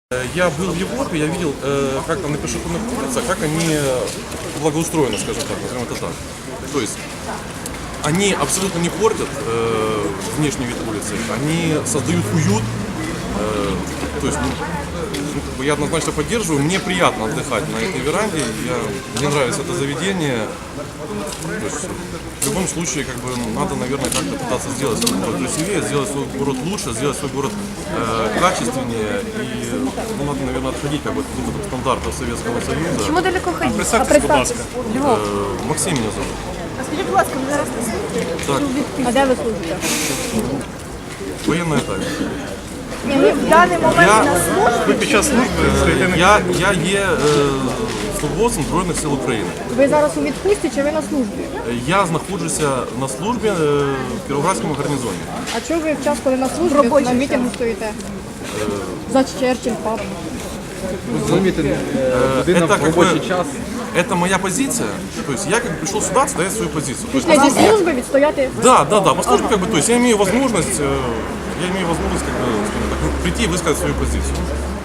Я был в Европе, я видел, как там на пешеходных улицах, как они благоустроены, скажем так, назовем это так. То есть они абсолютно не портят внешний вид улицы, они создают уют. То есть я однозначно поддерживаю, мне приятно отдыхать на этой веранде, мне нравится это заведение. То есть, в любом случае, надо, наверное, как-то пытаться сделать свой город красивее, сделать свой город лучше, сделать свой город качественнее. И надо, наверное, отходить от стандартов Советского Союза. Чому далеко ходити? Представтесь, будь ласка. Львов. Максим меня зовут. А скажіть, будь ласка, ви зараз на службі? Так, А де ви служите? военная тайна. Ні, ви в даний момент на службі? Ви під час служби Я є службовцем Збройних сил України. Ви зараз у відпустці чи ви на службі? Я знаходжуся на службі в Кіровоградському гарнізоні. А чого ви в час, коли на службі, на мітингу стоїте? За Черчилль, пап. Это как бы, это моя позиция. То есть я пришел сюда отстоять свою позицию. То есть, Після зі служби відстояти? да, по службе то есть я имею возможность, скажем так, прийти и высказать свою позицию.